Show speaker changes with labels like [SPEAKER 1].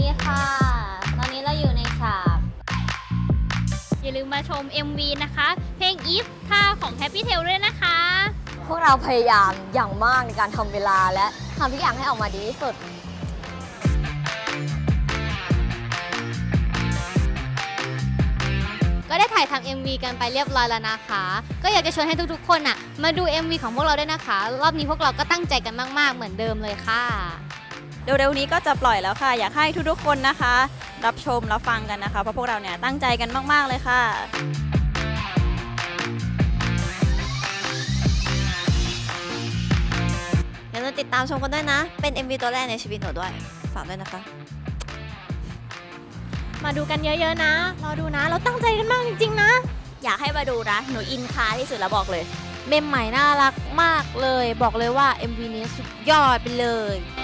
[SPEAKER 1] ดีค่ะ ตอนนี้เราอยู่ในฉาก
[SPEAKER 2] อย่าลืมมาชม MV นะคะ เพลง If ท่าของ Happy Tail ด้วยนะคะ
[SPEAKER 1] พวกเราพยายามอย่างมากในการทำเวลาและทำทุกอย่างให้ออกมาดีที่สุด
[SPEAKER 2] ก็ได้ถ่ายทำ MV กันไปเรียบร้อยแล้วนะคะ ก็อยากจะชวนให้ทุกๆคนอ่ะมาดู MV ของพวกเราด้วยนะคะ รอบนี้พวกเราก็ตั้งใจกันมากๆเหมือนเดิมเลยค่ะ
[SPEAKER 3] เร็วๆนี้ก็จะปล่อยแล้วค่ะ อยากให้ทุกๆคนนะคะ รับชมรับฟังกันนะคะ เพราะพวกเราเนี่ยตั้งใจกันมากๆเลยค่ะ
[SPEAKER 4] อย่าลืมติดตามชมกันด้วยนะ เป็น MV ตัวแรกในชีวิตหนูด้วย ฝากด้วยนะคะ
[SPEAKER 2] มาดูกันเยอะๆนะ รอดูนะ เราตั้งใจกันมากจริงๆนะ
[SPEAKER 1] อยากให้มาดูนะ หนูอินคาที่สุดแล้วบอกเลย
[SPEAKER 5] เมมใหม่น่ารักมากเลย บอกเลยว่า MV นี้สุดยอดไปเลย